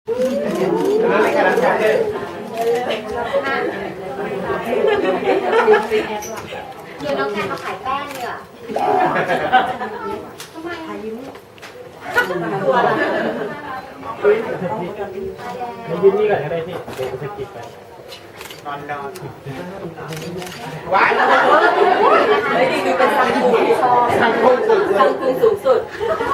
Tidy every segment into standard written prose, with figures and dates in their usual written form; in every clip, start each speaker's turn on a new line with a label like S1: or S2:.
S1: แล้วในการรับใช้เ
S2: ดี๋ยวน้องแกมาขายแป้งเนี่ยทำไมยิ้มตัวละ
S1: ยืนนี่ก่อนก็ได้พี่เดี๋ยวจะกินไปนอนว้าย
S3: ไม่ดีดูเป็นสังคูที่ชอบสังคูสูงสุด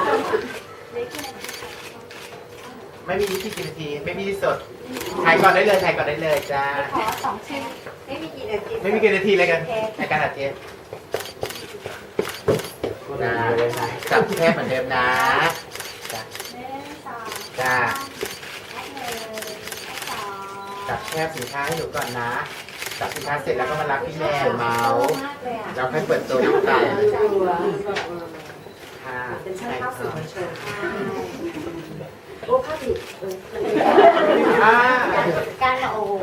S1: ไม่มีที่กี่นาทีไม่มีที่สดถ่ายก่อนได้เลยจ้า
S2: ขอ2 ชิ้นไม่มีกี่นาที
S1: ไม่มีกี่นาทีเลยกันในการอัดเทปนะจับแคบเหมือนเดิมนะจ้าจับแคบสินค้าให้หนูก่อนนะจับสินค้าเสร็จแล้วก็มารับพี่แม่เมาส์เราค่อยเปิดตัวน้ำตาลค่ะ
S3: เป็นช่างภาพสื่อมวลชนโอ้ภาพผิด
S2: การละโอ้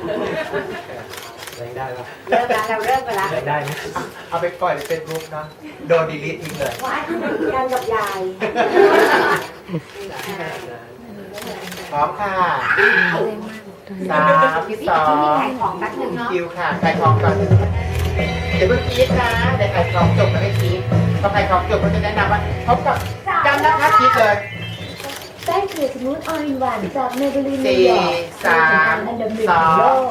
S1: แรงได้แล้ว
S2: เราเริ่มไปแล้ว
S1: ได้ไหมเอาไปปล่อยในเฟซบุ๊กเนาะโดนดีลิททิ้งเลย
S3: การกับยาย
S1: พร้อมค่ะ3 2
S2: ขายของแป๊บนึงเนาะ
S1: คิวค่ะขายของก่อนเดี๋ยวเพิ่งคิดนะเดี๋ยวขายของจบแล้วให้คิดพอขายของจบก็จะแนะนำว่าพบกับจำนะคะคิดเลย
S4: แป้งเกลือสมูทออยล์หวานจากเมเบลีนนิ
S1: 4
S4: วยอร์ก
S1: 3
S4: อันดับ1ของโลก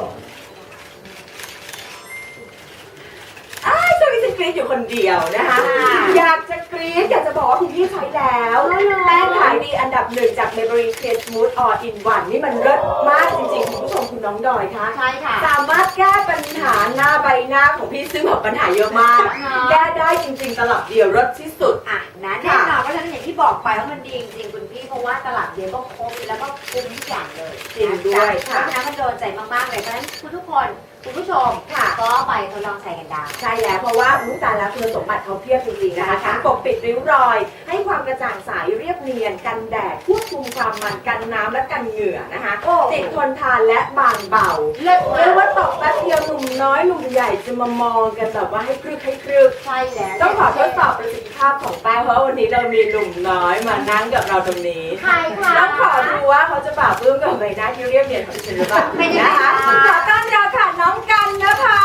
S3: ช่วงนี้ฉันกรี๊ดอยู่คนเดียวนะคะอยากจะกรี๊ดอยากจะบอกว่าคุณพี่ใช้แล้วแป้งขายดีอันดับ1จาก Maybelline Clear Smooth All in One นี่มันเลิศมากจริงๆคุณผู้ชมคุณน้องดอยคะ
S2: ใช่ค่ะ
S3: สามารถแก้ปัญหาหน้าใบหน้าของพี่ซึ่งแบบปัญหาเยอะมากแก้ได้จริงๆตลับเดียวรสที่สุด
S2: นะแน่นอนเพราะฉะนั้นอย่างที่บอกไปว่ามันดีจริงๆคุณพี่เพราะว่าตลับเดียวก็ครบแล้วก็คุ้มทุกอย่างเลย
S3: จริงด้วย
S2: เพราะฉะนั้นมันโดนใจมากๆเลยเพราะฉะนั้นทุกคนคุณผู้ชมก็ไปทดลองใส่กันได้
S3: ใช่แล้วเพราะว่าลูกตาแล้วคุณสมบัติเขาเพียบจริงๆนะคะทั้งปกปิดริ้วรอยให้ความกระจ่างใสเรียบเนียนกันแดดควบคุมความมันกันน้ำและกันเหงื่อนะคะติดทนทานและบางเบาเรียกว่าตกแป๊บเดียวหนุ่มน้อยหนุ่มใหญ่จะมามองกันแบบว่าให้ครึก
S2: ใช่แล้ว
S3: ต้องขอทดสอบประสิทธิภาพของแป้งเพราะวันนี้เรามีหนุ่มน้อยมานั่งกับเราตรงนี้
S2: ใช่ค่ะ
S3: ต้องขอดูว่าเขาจะปราบปลื้มกับใบหน้าที่เรียบเนียนของฉันหรือเปล่านะคะขอต้อนรับค่ะน้องกันนะคะ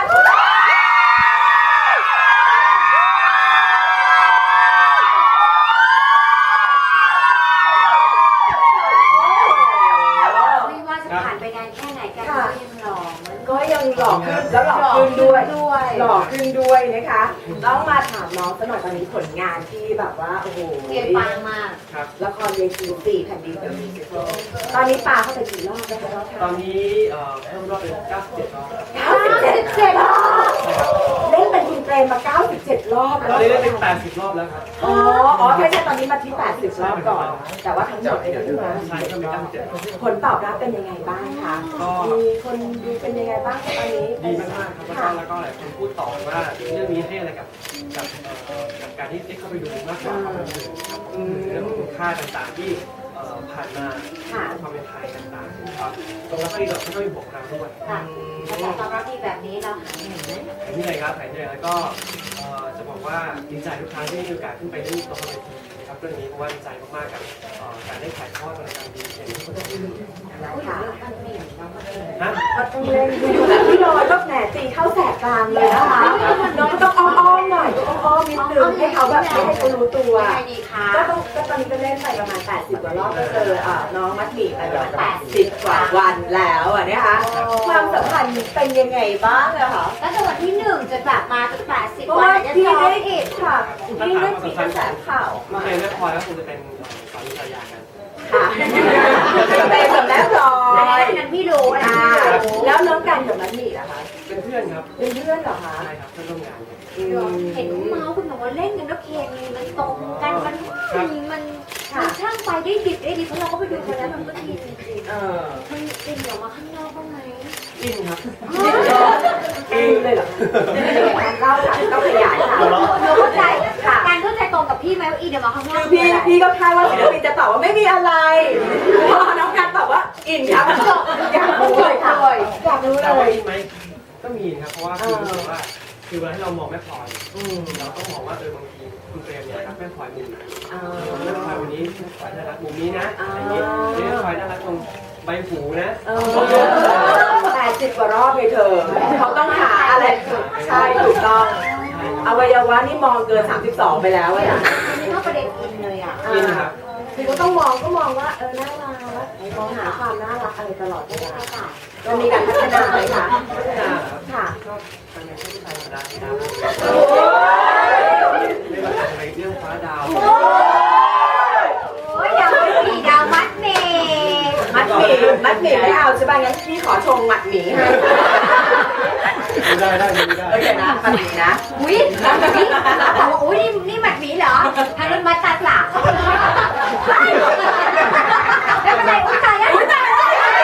S2: ผ่านไปนานแค่ไหนกัน
S3: ก็ยังหล่อขึ้นแล้วหล่อขึ้นด้วยหล่อขึ้นด้วยนะคะต้องมาถามน้องสักหน่อยตอนนี้ผลงานที่แบบว่าโอ้โห
S2: เพียรปังมาก
S3: ละครเวที4 แผ่นดินตอนนี้ปาเข้าไปกี่รอบแล้วคะ
S5: ตอนนี้เพิ่มรอบเป็น97 รอบ
S3: 97 รอบเล่นเป็นคุณเตรมมา97 รอบแล้ว
S5: ตอนนี้เล่นเป็น80 รอบแล้วครับ
S3: อ๋อไม่ใช่ตอนนี้มาที่80 รอบก่อนแต่ว่าทั้งหมดเนี่ยที่มาผลตอบรับเป็นยังไงบ้างคะมีคนดูเป็นยังไงบ้างตอนนี้
S5: ดีมากๆครับแล้วก็หลายคนพูดต่อว่าเรื่องนี้ให้อะไรกับการที่ได้เข้าไปดูมากกว่าความบันเทิงครับเรื่องของคุณค่าต่างๆที่ผ่านมาความเป็นไทยต่างๆครับตรงแล้วก็ดีดอกก็มีบวกเราด้วย
S2: แต่ตอนรับที่แบบนี้เราหายเหนื่อยไหม
S5: นี่เลยครับหายเหนื่อยแล้วก็จะบอกว่าดีใจทุกครั้งที่มีโอกาสขึ้นไปเล่นละครเวทีนะครับเรื่องนี้เพราะว่าดีใจมากๆกับการได้ถ่ายทอดรายการดีอย่างที่เขาต้องพูด
S3: ค่ะก็ต้องเล่นพี่ลอยก็แหนตีเข้าแสกกลางเลยนะคะน้องต้องอ้อมหน่อยต้องอ้อมนิดนึงให้เขาแบบให้เขารู้ตัวก็ตอนนี้ก็เล่นไปประมาณ80 กว่ารอบก็เจอน้องมัดหมี่ไปประมาณ80 กว่าวันแล้วนะคะความสัมพันธ์เป็นยังไงบ้างอะคะ
S2: ตั้งแต่วันที่1จนแบบมาจน80
S3: วันพี่ได้อีกค่ะพี่ได้มีกระแสข่าว
S5: มาในเรื่องพอแล้วคงจะเป็นสามีภรรยากัน
S3: ค่ะเป็นแบบแล้วรอย
S2: นั้นพี่รู้นะ
S3: แล้วน้องกันกับมัดหมี่ล่ะคะ
S5: เป็นเพื่อนครับ
S3: เป็นเพื่อนเหรอคะ
S5: ใช่ครับเพื่อนร่วมงาน
S2: เห็นเมาส์คุณบอกว่าเล่นกันแล้วเคมีมันตรงกันมันช่างไปได้ดีเพราะเราก็ไปดูมาแล้วมันก็ดีจริงๆมันเป็นออกมาข้างนอกบ้างไหม
S5: อินครับ
S3: อินเลยเหรอเล่าค่ะต้องขยายค่ะ
S2: เราเข้าใจการเข้าใจตรงกับพี่ไหมว่าอินเดี๋ยวมาข้างนอก
S3: พี่ก็คาดว่าศิลปินจะตอบว่าไม่มีอะไรพอน้องกันตอบว่าอินครับอยากรู้เลยค่ะอยากรู้เลย
S5: อินไหมก็มีครับเพราะว่าคือเวลาที่เรามองแม่พลอยเราต้องมองว่าบางทีคุณเปรมเนี่ยรักแม่พลอยมุมไหนแม่พลอยวันนี้แม่พลอยน่ารักมุมนี้นะอย่างนี้แม่พลอยน่ารักตรงใบหูนะ
S3: 80 กว่ารอบเลยเธอเขาต้องหาอะไรใช่ถูกต้องอวัยวะนี่มองเกิน32ไปแล้วอะนะ
S2: อันนี้ก็ประเด็นอินเลยอ่ะ
S5: กินครับ
S3: คือก็ต้องมองว่าน่ารักมองหาความน่ารักอะไรตลอดเวลาค่ะมันมีการพัฒนาไหมคะ
S5: พัฒนาครับ
S3: ค่ะ
S5: ก็ทำในที่ไทยธรรมดาครับไม่ว่าจะไปเรื่องฟ้าดาว
S2: โอ้ยดาวไม่มีดาวมัดเมย์
S3: มัดหมี่ไม่เอาใช่ป่ะงั้นพี่ขอชงมัดหมี่ให้
S5: ได้
S3: โอเคนะมัดหมี่นะ
S2: อุ้ยบอกว่าอุ้ยนี่มัดหมีเหรอทางนั้นมัดตาสาวแล้วเป็นไรอุ้ยตายแล้วอุ้ยตายแล้ว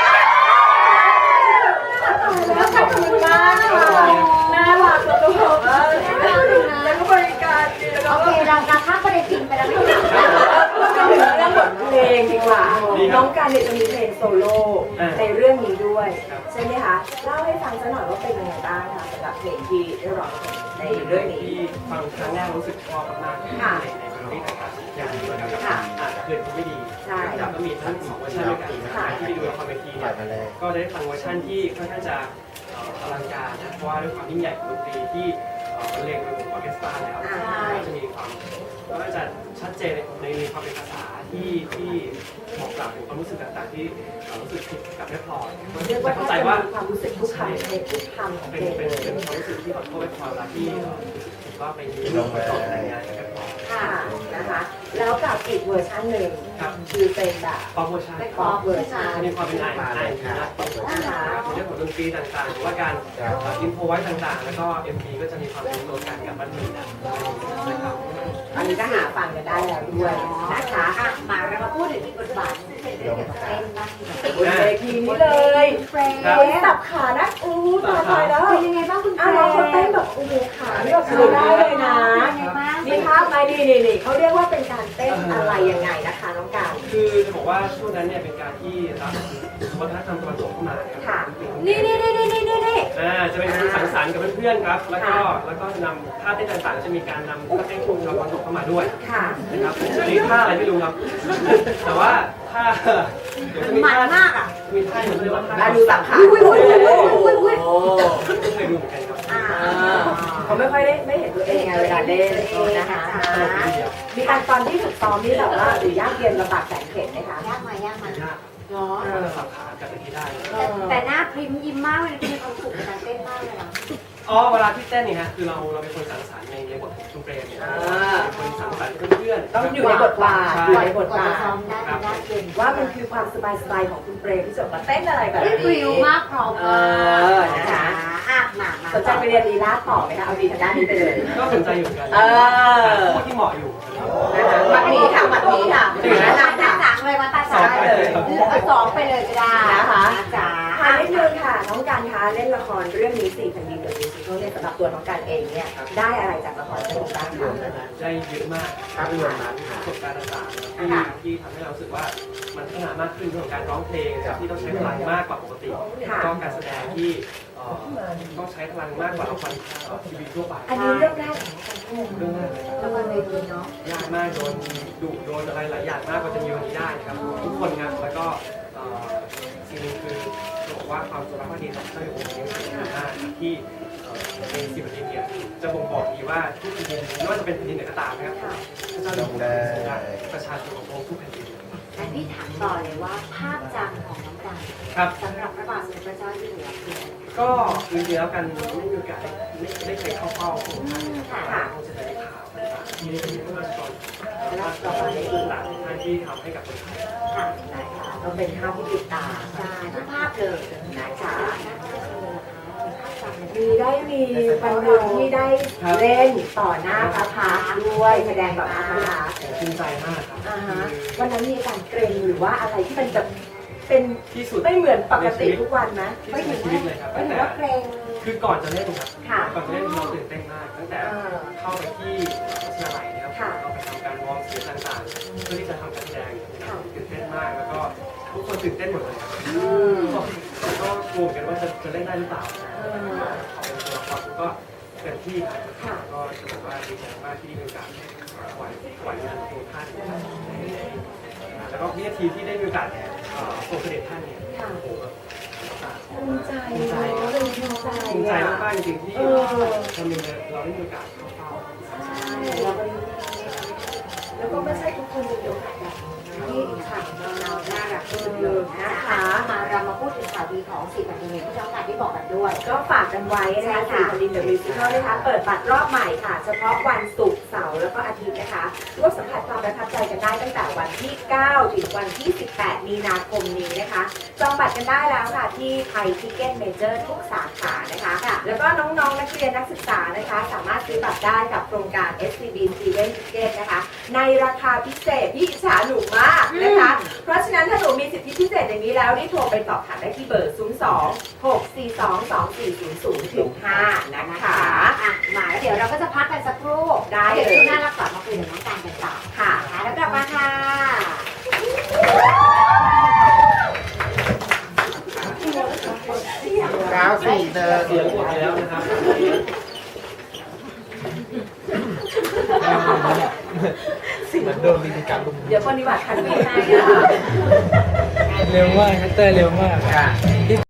S3: ขอบคุณมากค่ะน่ารักแล้วก็แล้วก็บริการดีแล้วก็
S2: โอเคเราข้ามประเด็นอินไปแล้วไม่ถึง
S3: พูดถึงเรื่องบทเพลงดีกว่าน้องการเนี่ยจะมีเพลงโซโล่ในเรื่องนี้ด้วยใช่ไหมคะเล่าให้ฟังสักหน่อยว่าเป็นยังไงบ้างคะสำหรับเพลงที่ได้ร้องในเรื่องนี้
S5: ที่ฟังครั้งแรกรู้สึกชอบมากๆในเมโลดี้ต่างๆอย่างนี้นะครับคืนไม่ดีแล้วก็มีทั้ง2เวอร์ชันด้วยกันที่ไปดูละครเวทีเนี่ยก็ได้ฟังเวอร์ชันที่ค่อนข้างจะอลังการนะเพราะว่าด้วยความยิ่งใหญ่ของดนตรีที่บรรเลงโดยวงออร์เคสตราแล้วจะมีความก็จะชัดเจนในความเป็นภาษาที่บอกกล่าวถึงความรู้สึกต่างๆที่รู้สึกผิดกับแม่พลอย
S3: เรียกว่าเข้าใจว่าความรู้สึกทุกคำในทุกคำของเพ
S5: เป็น
S3: ลง
S5: เป็นความรู้สึกที่ขอโทษแม่พลอยเวลาที่รู้สึกผิดว่าไปยืมเงินมาต่อแต่งงานกับแม่พลอย
S3: ค่ะนะคะแล้วกับอีกเวอร์ชันหนึ่ง
S5: ครับ
S3: คือเป็นแบบ
S5: ป๊อปเวอร์ชัน
S3: ป๊อปเวอร์ชัน
S5: มีความเป็นไอนะในเรื่องของดนตรีต่างๆหรือว่าการอินโฟไว้ต่างๆ แล้วก็ MV ก็จะมีความเป็นตัวกันกับบันเทิงนะครับ
S3: อันนี้ก็หาฟังกันได้แล้วด้วยนะคะ
S2: อ่ะมาเรามาพูดถึงอีกบทบาทที่เป็นเรื่องเกี่ยวกับเต้นบ้าง
S3: บนเวทีนี้เลย
S2: เฟรน
S3: โอ้ยสับขานะอู้ตายแล้ว
S2: เป็นยังไงบ้างคุณเฟร
S3: น้อง
S2: น
S3: เขาเต้นแบบโอ้โหขานี่แบบดูได้เลยนะ
S2: เป็นยังไงบ้าง
S3: มีภาพไหมนี่เขาเรียกว่าเป็นการเต้นอะไรยังไงนะคะน้องการ
S5: คือจะบอกว่าช่วงนั้นเนี่ยเป็นการที่รับวัฒนธรรมตะวันตกเข้ามาครับ
S2: นี่
S5: จะเป็นการสังสรรค์กับเพื่อนๆครับแล้วก็นำท่าเต้นต่างๆจะมีการนำท่าเต้นของตะวันตกเข้ามาด้วย
S3: ค่ะ
S5: นะครับอันนี้ท่าอะไรไม่รู้ครับ แต่ว่าท่าเดี๋ยวจะมี
S2: มัน
S5: ท่าม
S2: ากอ่ะ
S5: มีท่าเหมือนเรียกว่าท่า
S3: มาดูสับขา
S5: ไม่เคยดูเหมือนกันครับ
S3: เขาไม่ค่อยได้ไม่เห็นตัวเองไงเวลาเล่นนะคะ มีการตอนที่ฝึกซ้อมนี่แบบว่าหรือยากเย็นลำบากแสนเข็ญไหมคะ
S2: ยากมายาก
S5: เนาะสับขากับที่ได้
S2: แต่หน้าพริมยิ้มมากเลยมีความสุขในการเต้นมากเลยนะ
S5: อ๋อเวลาที่เต้นเนี่ยฮะคือเราเป็นคนสังสรรค์ในบทของคุณเปรมเนี่ยเป็นคนสังสรรค์กับเพื่อนๆ
S3: ต้องอยู่ในบทบาทอยู่ในบทบาท
S2: ซ้อมได้หน้าเย็น
S3: ว่ามันคือความสบายๆของคุณเปรมที่จะมาเต้นอะไรแบบ
S2: เฮ้ย
S3: นี้
S2: ฟิลมากพร้อมมากนะคะอ่ะมา
S3: สนใจไปเรียนลีลาต่อไหมคะเอาดีทางด้านนี้ไปเลย
S5: ก็สนใจอยู่เหมือนกัน ผู้ที่เหมาะอยู่
S3: นะคะหมัดหมีค่ะหมัดหมีค่ะ
S2: มาตาสังเลยมาตาสังเลยสองไปเลยก็ได้นะคะจ๋า
S3: ถามนิดนึงค่ะน้องการคะเล่นละครเรื่องนี้4 แผ่นดินเดอะมิวสิคัลเนี่ยสำหรับตัวน้องการเองเนี่ยได้อะไรจากละครเรื่องนี้บ้างคะ
S5: ได้เยอะมากครับรวมนั้นประสบการณ์ต่างๆที่ทำให้เรารู้สึกว่ามันพัฒนามากขึ้นเรื่องของการร้องเพลงที่ต้องใช้พลังมากกว่าปกติก็การแสดงที่ต้องใช้พลังมากกว่าละครทีวีทั่วไป
S3: อันนี้เรื่องแรกของน้องการ
S5: เรื่องแรกเลยครับ
S2: ละครเวทีเนาะ
S5: ยากมากโดนดุโดนอะไรหลายอย่างมากกว่าจะมีวันนี้ได้นะครับทุกคนครับแล้วก็สิ่งนึงคือบอกว่าความจงรักภักดีต่อเจ้าอยู่องค์นี้สำคัญมากที่ในสิบนาทีเนี่ยจะบ่งบอกดีว่าทุกแผ่นดินไม่ว่าจะเป็นแผ่นดินไหนก็ตามนะครับพระเจ้าอยู่หัวทรงรักประชาชนของพระองค์ทุกแผ่นดิน
S2: แต่พี่ถามต่อเลยว่าภาพจำของน้องการ
S5: ครับ
S2: สำหรับพระบาทสมเด็จพระเจ้าอยู่หัวคือ
S5: ก็จริงๆแล้วกันไม่มีโอกาสได้เคยเข้าเฝ้าพระองค์ท่านคงจะได้ข่าวต่างๆที่ได้ยินพระราชกรและก็ในต่างๆท่านที่ทำให้กับคนไทย
S2: ค่ะ
S3: นะคะต้องเป็นภาพที่ติดตา
S2: ใช่ทุกภาพเลย
S3: นะคะ
S2: ภาพจำ
S3: มีวันหนึ่งที่ได้เล่นต่อหน้าพระพักตร์ด้วยแสดงแบบพระพักตร์
S5: ภูมิใจมากครับ
S3: วันนั้นมีอาการเกรงหรือว่าอะไรที่มันจะเป็น
S5: ที่สุด
S3: ไม่เหมือนปกติทุกวันไหม
S5: ที่สุดในชีวิตเลยครับ
S2: ไม่
S5: ตั้ง
S2: ถือ
S5: แต่
S2: ว่าเกรง
S5: คือก่อนจะเล่นครับ
S3: ค่ะ
S5: ก่อนจะเล่นเราตื่นเต้นมากตั้งแต่เข้าไปที่วิทยาลัยนะครับเราไปทำการวอร์มเสียงต่างๆเพื่อที่จะทำการแสดงตื่นเต้นมากแล้วก็ทุกคนตื่นเต้นหมดเลยก็กลัวกันว่าจะเล่นได้หรือเปล่าพอเป็นตัวละครก็เต็มที่ครับก็จะบอกว่าดีใจมากที่ได้มีโอกาสไหวงานของท่านนะครับแล้วก็วินาทีที่ได้มีโอกาสโปรเสด็จท่านเนี่ยโอ้โหแบบ
S3: ภูมิใจ
S5: ภูมิใจ ภูมิใจมากๆจริงๆที่วันหนึงเราได้มีโอกาสเข้าเฝ้า
S3: แล้วก็ไม่ใช่ทุกคนจะมีโอกาสแบบนี้ค่ะเราน่ารักที่สุดเลยนะคะ
S2: มาเรามาพูดถึงข่าวดีของ4แผ่นดินที่ช่องการที่บอกกันด้วย
S3: ก็ฝากกันไว้นะคะ4แผ่นดินเดอะมิวสิคัลนะคะเปิดบัตรรอบใหม่ค่ะเฉพาะวันศุกร์เสาร์แล้วก็อาทิตย์นะคะร่วมสัมผัสความประทับใจกันได้ตั้งแต่วันที่ 9 ถึงวันที่ 18 มีนาคมนี้นะคะจองบัตรกันได้แล้วค่ะที่ไทยทิเก็ตเมเจอร์ทุกสาขานะคะแล้วก็น้องๆนักเรียนนักศึกษานะคะสามารถซื้อบัตรได้กับโครงการ SCB Student Ticket นะคะในราคาพิเศษที่อิจฉาหนูมากนะคะ เพราะฉะนั้นถ้าหนูมีสิทธิพิเศษอย่างนี้แล้วรีบโทรไปสอบถามได้ที่เบอร์ 02-642-2400-5 นะคะ
S2: มาแล้วเดี๋ยวเราก็จะพักกันสักครู่
S3: ได้เลย
S2: เดี๋ยวช่วงหน้าเรากลับมาคุยกับน้องการกันต่อ
S3: ค่ะ
S2: แล้วกลับมาค่ะ
S1: 9-4 เดิน
S5: เสียงหมดแล้วนะครับ
S1: เหมือนโดนมีการลุม
S3: เดี๋ยวปฏิบัติทันไม่ได้นะคะ
S6: เร็วมากฮัตเตอร์เร็วมาก
S1: ค่ะ